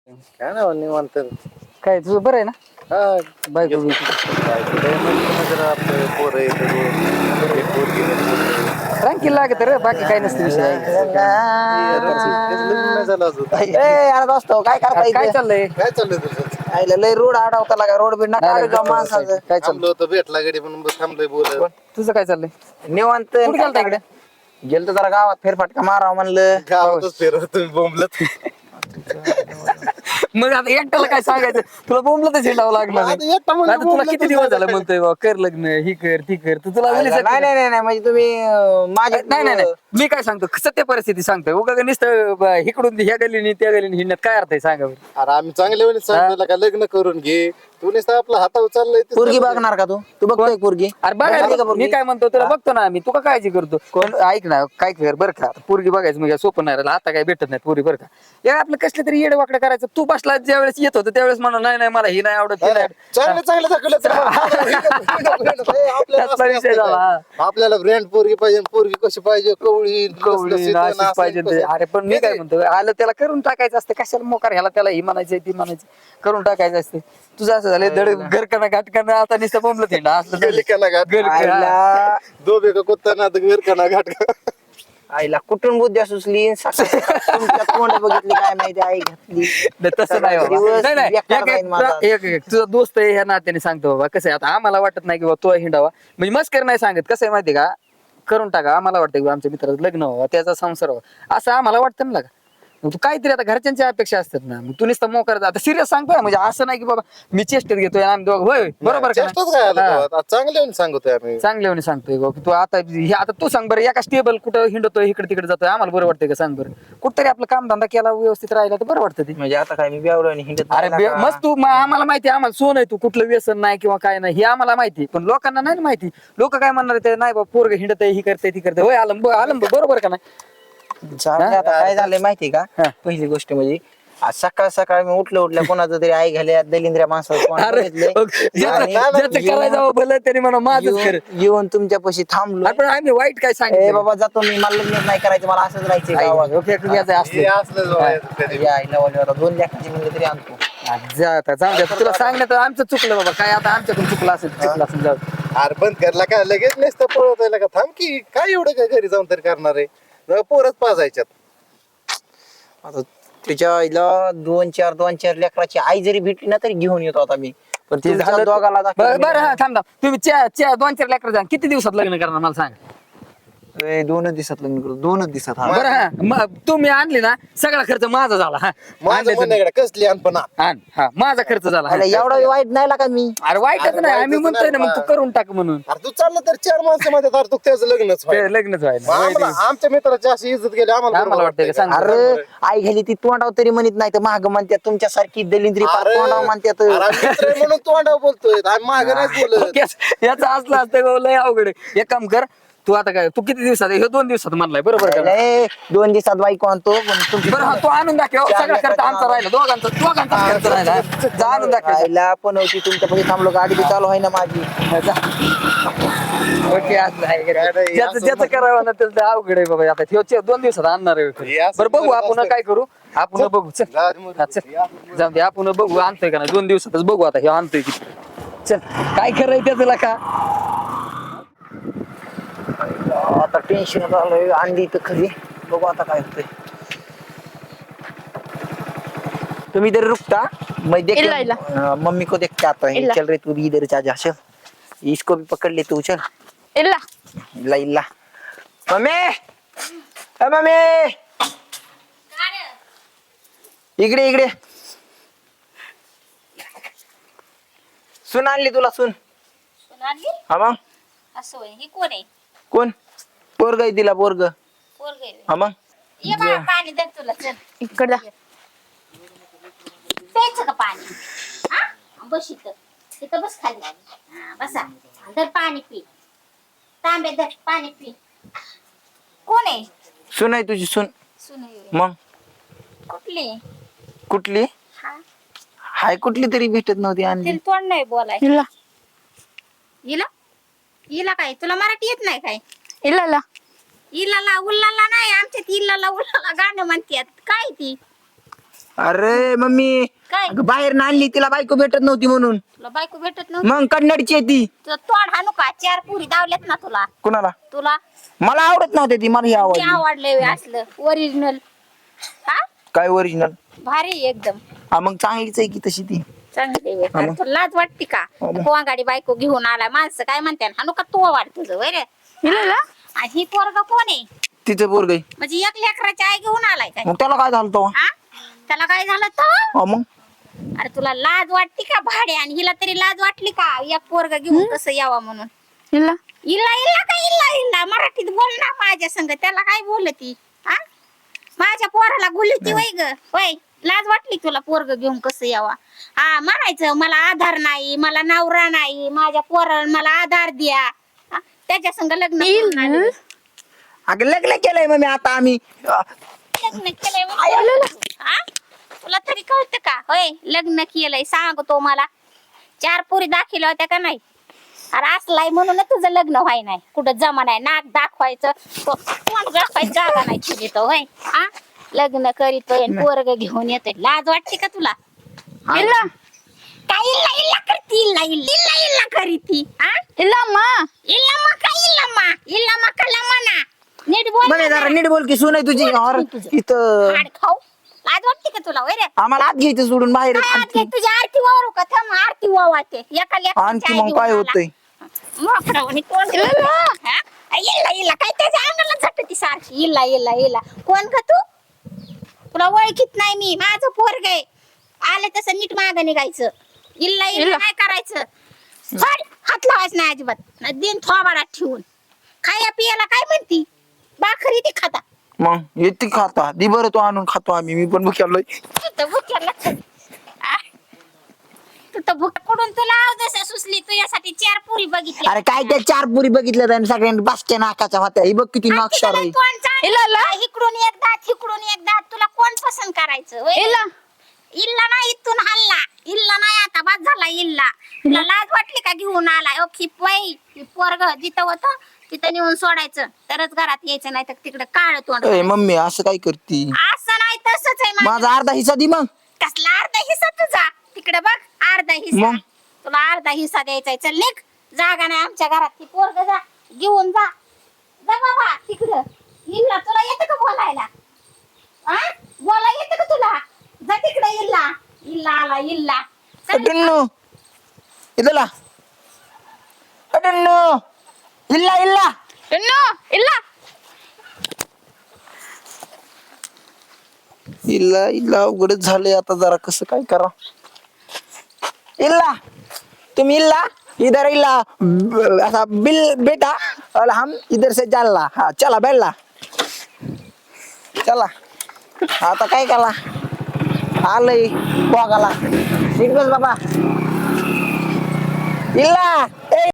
काय ना निवांत. काय तुझं बरं आहे ना? हा बायको बायको लय म्हणजे जरा आपलं पोरं आहेत एक पोरगी दोन पोरं. ट्रँकिल लागत रे, बाकी काय नसतं विषय. लग्न नाही झालं अजून. यार दोस्तो काय करता अरे काय इथे? चाललंय? काय चाललंय तुझं? आईला लय रोड अडवता लागा रोड बिड नका नाही, अडवू जाऊ नाही, माणसाचं. काय थांबलो चाललंय? होतो भेटला गडी म्हणून थांबलोय बोलत. तुझं काय चाललंय? निवांत कुठं गेलता इकडे? गेलतो जरा गावात फेरफटका मारावं म्हणलं. गावातच फिरत तुम्ही बोंबलत. मग आता एकट्याला काय सांगायचं? तुला बोंबलं तर झेंडावं लागणार आता नाही. एकटा म्हणजे आता तुला बोंबलतच किती दिवस नाही झालं काय. म्हणतोय बा, कर लग्न, ही कर ती कर, तू तुला नाही वेळेस नाही नाही नाही, म्हणजे तुम्ही माझी नाही नाही नाही, मी काय सांगतो सत्य परिस्थिती सांगतोय. उगा नुसतं इकडून ह्या गलीने त्या गलीने हिंडण्यात काय अर्थ आहे सांगा बरं? अरे आम्ही चांगल्या वेळेस सांगितलं का लग्न करून घे. तू नुसतं आपला हातावर चाललंय ते पोरगी चाललंय. बघणार का तू बघतोय पोरगी? अरे बघितली का बघा, पोरगी? मी काय म्हणतो तुला बघतो ना आम्ही, तू का काळजी करतो? पण ऐक ना, काय कर बरं का, पोरगी बघायचं म्हणजे सोपं नाही राहिलं. आता काय भेटत नाही पोरी बरं का. या आपलं कसलं तरी येडं वाकडं करायचं. तू बसला ज्या वेळेस येत होतं त्यावेळेस म्हणा नाही नाही मला ही नाही आवडत ती नाही आवडत. चांगलं चांगलं दाखवलं तर आपल्याला त्यातला असं विषय असतं झाला. काय? आपल्याला ब्रँड पोरगी पाहिजे पोरगी कशी पाहिजे कवळी कवळी नाशिक पाहिजे ते. अरे पण मी काय म्हणतो, आलं त्याला करून टाकायचं असतं. कशाला मोकार ह्याला त्याला ही म्हणायचं ती म्हणायचं, करून टाकायचं असते. तुझं असं झालं धड घरकाना घाटकाना आता नुसतं बोंबलं थिंडा असलं आईला दो बेका कुत्ता ना घर खाना घाट आईला कुठून बुद्ध्या सुचली तुमच्या तोंड बघितली काय माहिती आई घातली. नाही, तसं नाही बाबा. दिवस नाही, नाही. बेकार जाईल माझा. तुझा दोस्त आहे ह्या नात्याने सांगतो बाबा. कसं आहे आता आम्हाला वाटत नाही की बाबा तो हिंडावा, म्हणजे मस्कर नाही सांगत. कसं आहे माहितीये का, करून टाका. आम्हाला वाटतं की आमच्या मित्राचं लग्न व्हावं, त्याचा संसार व्हावा, असं आम्हाला वाटतं ना. मग तू काहीतरी आता घरच्यांच्या अपेक्षा असतात ना, मग तू नुसतं मोकार आता सिरियस सांगतोय म्हणजे असं नाही की बाबा मी चेष्टेत घेतोय आम्ही दोघं. होय बरोबर का नाही? चांगले सांगतोय आम्ही चांगल्याने सांगतोय गो की तू आता हे आता तू सांग बरं, एका स्टेबल कुठं हिंडतोय इकडे तिकडे जातोय आम्हाला बरं वाटतंय का सांग बरं? कुठतरी आपलं काम धंदा केला व्यवस्थित राहिला तर बरं वाटतं ते. म्हणजे आता काय मी बेवलो आणि हिंडत अरे नाही लागा. मस्त तू आम्हाला माहिती आहे, आम्हाला सोन आहे तू, कुठलं व्यसन नाही किंवा काय नाही हे आम्हाला माहिती, पण लोकांना नाही ना माहिती. लोक काय म्हणणार ते नाही बाबा पोरग हिंडत ही करते ती करते. होय आलम आलम बरोबर का नाही? जाऊदे आता काय झालंय माहिती का? हा. पहिली गोष्ट म्हणजे आज सकाळ सकाळ मी उठल्या कोणाचं तरी आई घाल्या दलिंद्र्या माणसाचं अरे ज्याचं करायचं भलं तरी म्हणा माझंच कर. येऊन तुमच्यापाशी थांबलो. आपण आम्ही वाईट काय ए सांगितलं? बाबा जातो मी, मला लग्न नाही करायचं, मला असंच राहायचं गावात. फेकून यायचं असलं. या आईला वाल्याला 2 लाखाची म्हणलं तरी आणतो. जाऊ दे तुला सांगण्यात आमचं चुकलं बाबा. काय आता आमच्याकडून चुकलं असेल जाऊ दे. अरे बंद करला का लगेच नसतं पळवतायला का थांब की काय एवढं काय घरी जाऊन तरी करणार आहे पोरच पाजायच्यात. आता त्याच्या आईला 2-4 लेकराची आई जरी भेटली ना तरी घेऊन येतो आता मी. पण ते तुमच्या झालं दोघाला दाखवलं बरं हा थांब थांब. तुम्ही 2-4 लेकर जा, किती दिवसात लग्न करणार मला सांग? 2 दिवसात लग्न करू, 2 दिवसात. हा. बरं हा मग तुम्ही आणली ना सगळा खर्च माझा झाला. हा माझं आणले म्हणणं आहे का, कसली अनपणा आण हा माझा खर्च झाला. हा. आईला एवढा वाईट नाही लागा मी. अरे वाईटच अरे नाही, आम्ही वाईटच म्हणतोय ना नाही मग तू बा. करून टाक म्हणून. अरे तू चाललं तर 4 माणसं मध्ये तर तू त्याचं लग्नच व्हायचं. ते लग्नच व्हायला. मग आम्हाला आमच्या मित्राची अशी इज्जत गेली आम्हाला आम्हाला बरोबर वाटतंय का सांग? अरे आई घाली ती तोंडाव तरी म्हणत नाही तर महाग म्हणतात तुमच्यासारखी दलिंद्री पार अरे, तोंडाव म्हणतात. अरे आम्ही मित्र आहे म्हणून तोंडावर बोलतोय आम्ही मागं नाही बोलत. याचं असलं असतं लय अवघड आहे. एक काम कर तू आता काय, तू किती दिवसात हे 2 दिवसात म्हणलाय बरोबर का? लय 2 दिवसात बाईक आणतो पण तुमची बरं हा तू आणून दाखव. सगळा खर्च आमचा राहिला, दोघांचा खर्च राहिला. जा आणून दाखव. आईला पण होती तुमच्यापाशी थांबलो, गाडी बी चालू आहे ना माझी. ओके असं आहे का? नाही, ज्याचं असं ज्याचं करावं ना त्याचं अवघड आहे बाबा. आता ह्यो 2 दिवसात आणणार हे आहे. असं बरं बघू करत आपण असतं. काय करू, आपण बघू चल. हा, चल जाऊ दे आपण बघू आणतोय का नाही. 2 दिवसातच बघू आता हे आणतोय की. चल काय करायचं त्याला का आता टेन्शन आलंय, अंडी तर खरी. बघू आता काय होतंय. तुम इधर रुकता, मैं देख इल्ला, इल्ला। मम्मी को देखते आता है। इल्ला। चल रहे तू भी इधर जा जा, चल इसको भी पकड़ ले तू, चल। इल्ला इल्ला इल्ला मम्मी, ए मम्मी इकडे इकडे सुन आणली तुला, सुन. सोनाली हा मग असं होय. ही कोण आहे? कोण? पोरग आहे तिला, पोरग. पोरग आहे. हा मग ये बाळा पाणी दे तुला, चल इकडे प्यायचं का पाणी? हा बस इथं बस खाली. हा बसा, धर पाणी पी, तांबे धर पाणी पी. कोण आहे? सुन आहे तुझी, सुन. सुन आहे. मग कुठली? कुठली? हा हाय कुठली तरी भेटत नव्हती आणली. तिला तोंड नाही बोलाय. इला इला इला काय तुला मराठी येत नाही काय? इलाला इलाला उल्लाला नाही, आमच्यात इलाला उल्लाला गाणं म्हणतात. काय ती अरे मम्मी काय अगं बाहेर आणली तिला बायको भेटत नव्हती म्हणून. तुला बायको भेटत नव्हती मग कन्नडची आहे ती. तुझं तोंड हाणू का 4 पुरी दावल्यात ना तुला कुणाला? तुला मला आवडत नव्हते ती, मला ही ते आवडली. आवडले असलं ओरिजिनल हा काय ओरिजिनल? भारी आहे एकदम हा मग चांगलीच आहे की तशी ती. चांगली आहे. हा मग. तुला लाज वाटते का हा मग. कोंगाडी बायको घेऊन आला माणसं काय म्हणते हाणू का तो वाट तुझं वय रे आणि ही पोरगा कोण आहे तिचं पोरग आहे. म्हणजे एक लेकराची आई घेऊन आलाय काय मग त्याला काय झालं तेव्हा? हा त्याला काय झालं तर हा मग अरे तुला लाज वाटते का भाडे आणि हिला तरी लाज वाटली का एक पोरगा घेऊन कसं यावा म्हणून इल्ला इल्ला का इल्ला इल्ला मराठीत बोल ना माझ्या संग त्याला काय बोलती हा माझ्या पोराला बोलती वय ग वय लाज वाटली तुला पोरग घेऊन कसं यावा हा म्हणायचं मला आधार नाही मला नवरा नाही माझ्या पोराला मला आधार द्या हा, त्याच्या संग लग्न करून आले. अगं लग्न केलंय मम्मी आता आम्ही. लग्न केलंय म्हणतो. हा? तुला तरी कळतं का होय लग्न केलंय सांगतो मला 4 पोरी दाखिल्या होत्या का नाही अरे असलाय म्हणून तुझं लग्न व्हाय नाही कुठं जमा नाही नाक दाखवायचं कोण दाखवायचं जागा नाही तुझी तो होय हा लग्न करीतोय पोरग घेऊन येतोय लाज वाटते का तुला इल्ला काय इल्ला इल्ला करती इल्ला इल्ला इल्ला इल्ला करीती हा इल्ला मा इल्ला मा कला मना नीट बोल म्हणे ना जरा जरा. नीट बोल की सून आहे तुझी. और इथं हाड खाऊ लाज वाटते का तुला वय रे आम्हाला आत घ्यायचं सोडून बाहेर काय आज काय तुझी आरती वावरू का थांब आरती वावाते एका लेकराची आणखी आई मग घेऊन काय आला. होतंय? मोकळं तोंड हा? इल्ला इल्ला काय त्याच्या अंगाला झटती सारखी इल्ला इल्ला इल्ला कोण का तू तुला ओळखीत नाही मी माझं पोरग आहे आलं तसं नीट मागं निघायचं इल्ला इल्ला काय करायचं फड, हात लावायचं नाही अजिबात दिन थोबाडात ठेवून खाया पियाला काय म्हणती भाकरी ती खाता मग येते खाता दि बरं तो आणून खातो आम्ही. मी पण भुक्यालोय. तू तर भुक्याला तू तर भुक कुठून तुला जसं सुचली तुझ्यासाठी 4 पुरी बघितली अरे काय त्या 4 पुरी बघितल्या त्याने सगळ्यांनी बासच्या नाकाच्या होत्या. ही बघ किती नाक्षर आहे. इकडून एक दात इकडून एक दात तुला कोण पसंत करायचं होय? इल्ला नाही इथून हल्ला इल्ला नाही आता बस झाला इल्ला तुला लाज वाटली का घेऊन आलाय ओ खिपवाई पोरग जिथं होतं तिथं नेऊन सोडायचं तरच घरात यायचं नाही तर तिकडे काळ तोंड ए मम्मी असं काय करती? असं नाही तसंच आहे माझं. माझा अर्धा हिस्सा दि मग. कसला अर्धा हिस्सा तुझा तिकडे बघ अर्धा हिस्सा मग? तुला अर्धा हिस्सा द्यायचा आहे. चल निघ जागा नाही आमच्या घरात ती पोरग जा घेऊन जा जा बाबा तिकडं इल्ला तुला येतं का बोलायला हा बोला येतं का तुला जा तिकडे इल्ला इल्ला आला इल्ला चल. अटन्नो इथला अटन्नो इल्ला इल्ला इल्ला इल्ला इल्ला उघडच झाले आता जरा कसं काय करा. इल्ला तुम इल्ला इधर इल्ला ऐसा बिल बेटा और हम इधर से जाला. हाँ चला बैठला चला आता काय करा आलंय बघाला नीट बस बाबा इल्ला ए